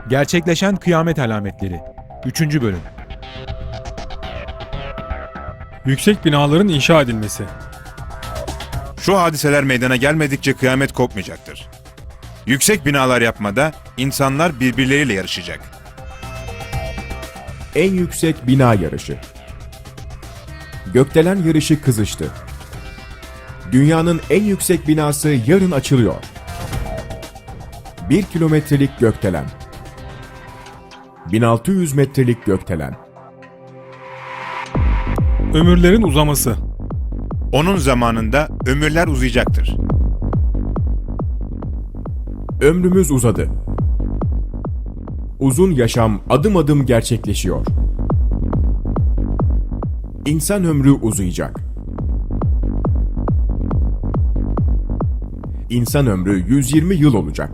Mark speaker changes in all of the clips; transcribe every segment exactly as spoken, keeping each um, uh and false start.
Speaker 1: Gerçekleşen kıyamet alametleri. üçüncü bölüm.
Speaker 2: Yüksek binaların inşa edilmesi.
Speaker 3: Şu hadiseler meydana gelmedikçe kıyamet kopmayacaktır. Yüksek binalar yapmada insanlar birbirleriyle yarışacak.
Speaker 4: En yüksek bina yarışı. Gökdelen yarışı kızıştı. Dünyanın en yüksek binası yarın açılıyor. Bir kilometrelik gökdelen. bin altı yüz metrelik gökdelen.
Speaker 2: Ömürlerin uzaması.
Speaker 3: Onun zamanında ömürler uzayacaktır.
Speaker 4: Ömrümüz uzadı. Uzun yaşam adım adım gerçekleşiyor. İnsan ömrü uzayacak. İnsan ömrü yüz yirmi yıl olacak.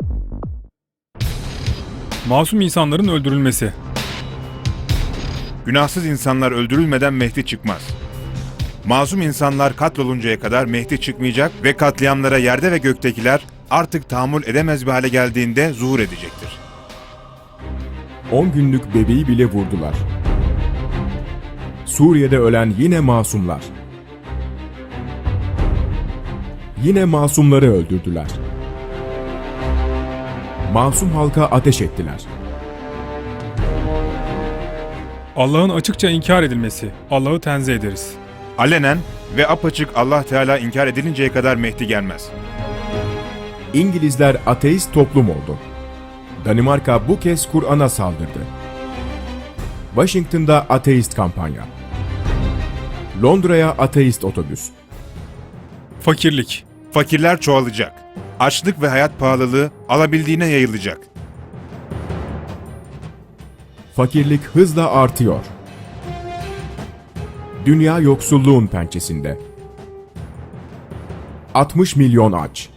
Speaker 2: Masum insanların öldürülmesi.
Speaker 3: Günahsız insanlar öldürülmeden Mehdi çıkmaz. Masum insanlar katloluncaya kadar Mehdi çıkmayacak ve katliamlara yerde ve göktekiler artık tahammül edemez bir hale geldiğinde zuhur edecektir.
Speaker 4: on günlük bebeği bile vurdular. Suriye'de ölen yine masumlar. Yine masumları öldürdüler. Masum halka ateş ettiler.
Speaker 2: Allah'ın açıkça inkar edilmesi. Allah'ı tenzih ederiz.
Speaker 3: Alenen ve apaçık Allah Teala inkar edilinceye kadar Mehdi gelmez.
Speaker 4: İngilizler ateist toplum oldu. Danimarka bu kez Kur'an'a saldırdı. Washington'da ateist kampanya. Londra'ya ateist otobüs.
Speaker 2: Fakirlik.
Speaker 3: Fakirler çoğalacak. Açlık ve hayat pahalılığı alabildiğine yayılacak.
Speaker 4: Fakirlik hızla artıyor. Dünya yoksulluğun pençesinde. altmış milyon aç.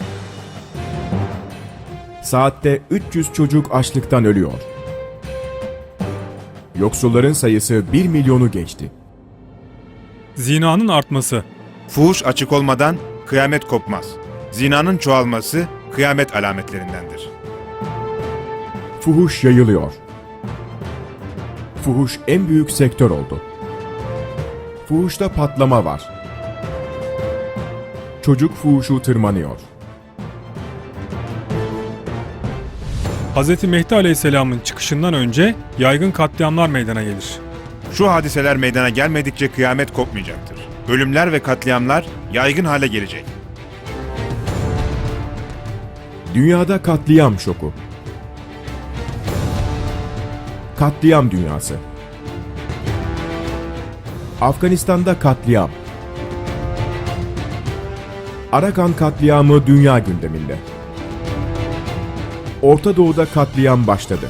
Speaker 4: Saatte üç yüz çocuk açlıktan ölüyor. Yoksulların sayısı bir milyonu geçti.
Speaker 2: Zinanın artması.
Speaker 3: Fuhuş açık olmadan kıyamet kopmaz. Zinanın çoğalması kıyamet alametlerindendir.
Speaker 4: Fuhuş yayılıyor. Fuhuş en büyük sektör oldu. Fuhuşta patlama var. Çocuk fuhuşu tırmanıyor.
Speaker 2: Hz. Mehdi Aleyhisselam'ın çıkışından önce yaygın katliamlar meydana gelir.
Speaker 3: Şu hadiseler meydana gelmedikçe kıyamet kopmayacaktır. Ölümler ve katliamlar yaygın hale gelecek.
Speaker 4: Dünyada katliam şoku. Katliam dünyası. Afganistan'da katliam. Arakan katliamı dünya gündeminde. Orta Doğu'da katliam başladı.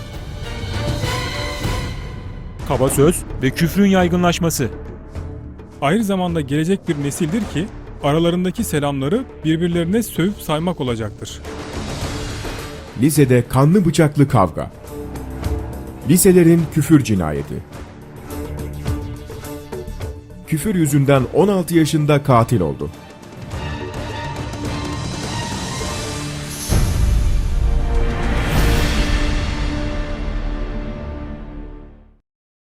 Speaker 1: Kaba söz ve küfrün yaygınlaşması.
Speaker 2: Aynı zamanda gelecek bir nesildir ki aralarındaki selamları birbirlerine sövüp saymak olacaktır.
Speaker 4: Lisede kanlı bıçaklı kavga. Liselerin küfür cinayeti. Küfür yüzünden on altı yaşında katil oldu.